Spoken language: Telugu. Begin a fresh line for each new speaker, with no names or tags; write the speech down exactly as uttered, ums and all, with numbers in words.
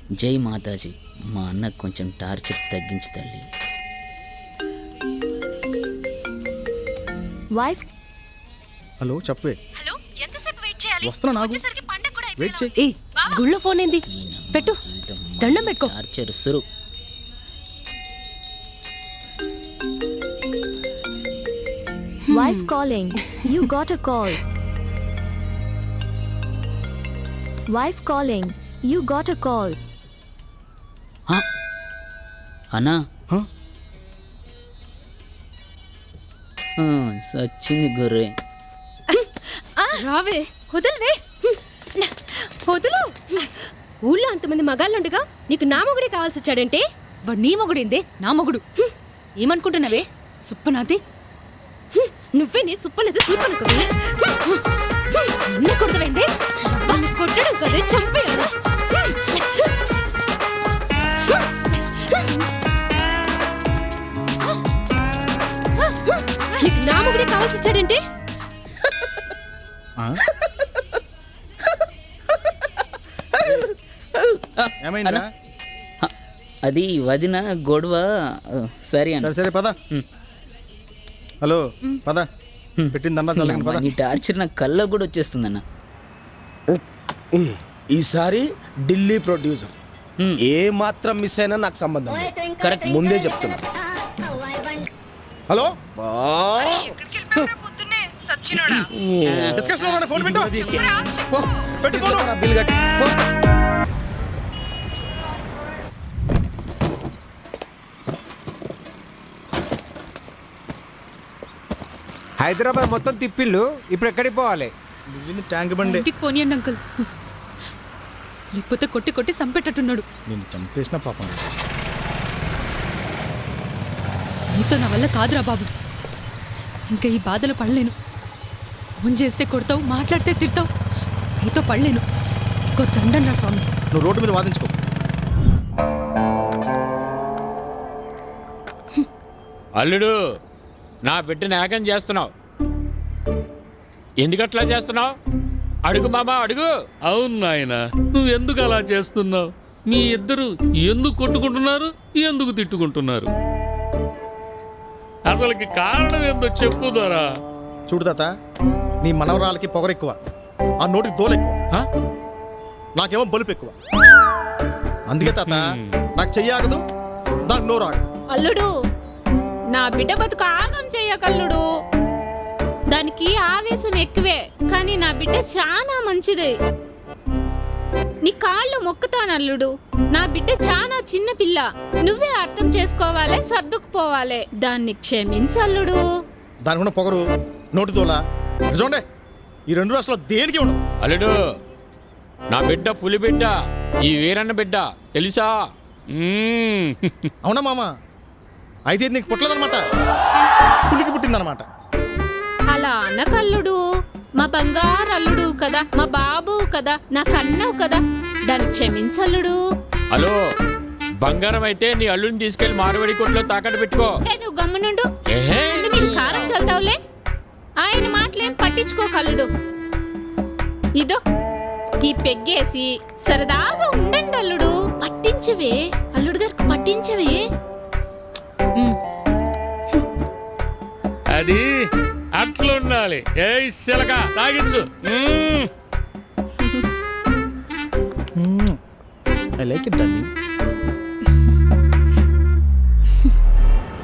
జై మాతాజీ. మా అన్నకు కొంచెం టార్చర్ తగ్గించి తల్లి.
వాయిస్
హలో చెప్పవే.
హలో ఎంతసేపు వెయిట్ చేయాలి?
వస్తున్నా నాకు.
వచ్చేసరికి పండగ కూడా
వెయిట్ చేయి.
అయిపోయింది.
ఏయ్ గుళ్ళో ఫోన్ ఏంది? పెట్టు, దండం పెట్టుకో.
టార్చర్ సురు.
Voice calling. You got a call. Voice calling. You got a call.
అన్నా
హ?
ఆ, సచ్చింది గొర్రె.
రావే.
వదలవే, వదులు.
ఊళ్ళో అంతమంది మగాళ్ళుండగా నీకు నా మొగుడే కావాల్సి వచ్చాడంటే?
వాడు నీ మొగుడేందే? నా మొగుడు. ఏమనుకుంటున్నావే సుప్పనాతి?
నువ్వే నీ సుప్పలేదు సూపనుకోవే.
నిన్ను కొడతవేందే?
వాడిని కొట్టడం కదే చంపేయాలి. నీకు నా మొగుడే కావాల్సి వచ్చాడంటే?
ఆ? ఏమైందా?
హ, అది వదిన గొడవ. ఆ, సరే అన్న.
సరే సరే పద. హలో పద. పెట్టిందన్నా చల్లగని పద.
నీ టార్చర్ నా కళ్ళ కూడా వచ్చేస్తుందన్న.
ఈసారి ఢిల్లీ ప్రొడ్యూసర్ ఏ మాత్రం మిస్ అయినా నాకు సంబంధం లేదు.
కరెక్ట్.
ముందే చెప్తున్నా.
హలో
పొద్దున్నే సచ్చినోడా.
డిస్కషన్ లో ఫోన్ పెట్టు.
పో, తీసుకురా, బిల్ కట్టు. పో.
హైదరాబాద్ మొత్తం తిప్పిళ్ళు. ఇప్పుడు ఎక్కడికి పోవాలి?
మిగిలింది ట్యాంక్ బండి.
ఇంటికి పోనీయండి అంకుల్, లేకపోతే కొట్టి కొట్టి సంపెట్టట్టున్నాడు.
నేను చంపేసిన పాపం.
నీతో నా వల్ల కాదురా బాబు. ఇంకా ఈ బాధలు పడలేను. ఫోన్ చేస్తే కొడతావు, మాట్లాడితే తిడతావు. నీతో పడలేను. ఇంకో దండం రా స్వామి.
నువ్వు రోడ్డు మీద వాదించుకో.
అల్లుడు, నా బిడ్డని ఏకం చేస్తున్నావు. ఎందుకట్లా చేస్తున్నావు? అడుగు మామా, అడుగు.
అవును నాయన, నువ్వు ఎందుకు అలా చేస్తున్నావు? మీ ఇద్దరు ఎందుకు కొట్టుకుంటున్నారు, ఎందుకు తిట్టుకుంటున్నారు? అసలుకి కారణం ఏందో చెప్పు దొరా.
చూడు తాత, నీ మనవరాలకి పొగరెక్కువ, ఆ నోటికి దోలెక్కువ,
హ?
నాకేమో బలుపు ఎక్కువ. అందుకే తాత నాకు చెయ్యాగదు, దానికి నోరు ఆగదు.
అల్లుడు, నా బిడ్డ బతుకు ఆగం చెయ్యకల్లుడు. దానికి ఆవేశం ఎక్కువే, కానీ నా బిడ్డ చాలా మంచిది. నీ కాళ్ళు మొక్కుతాను అల్లుడు. నా బిడ్డ చాలా చిన్న పిల్ల. నువ్వే అర్థం చేసుకోవాలి, సర్దుకుపోవాలి. దాన్ని క్షమించల్లుడు.
దానికి ఉన్న పొగరు, నోటి దోల చూడండి, ఈ రెండు రాష్ట్రాలు దేనికి ఉండదు.
అల్లుడు, నా బిడ్డ పులి బిడ్డ, ఈ వీరన్న బిడ్డ, తెలుసా?
మ్మ్.
అవునా మామ? అయితే ఇది నీకు పుట్టలేదనమాట, పులికి పుట్టిందనమాట.
అలా అనకల్లుడు. మా బంగారు అల్లుడు కదా, మా బాబు కదా, నా కన్నావు కదా, దాన్ని క్షమించల్లుడు.
హలో, బంగారం అయితే నీ అల్లుడిని తీసుకెళ్లి మార్వాడి కొట్లో తాకట్టు పెట్టుకో.
ఏ, నువ్వు గమ్మునుండు.
ఏహే.
ముందు మీరు కారం చల్తావులే. ఆయన మాటలేం పట్టించుకోకల్లుడు. ఇదో ఈ పెగ్గేసి సరదాగా ఉండండి అల్లుడు. పట్టించవే అల్లుడు గారికి, పట్టించవే.
అది అట్లుండాలి. ఏ శిలక తాగించు. మ్మ్.
I like it darling.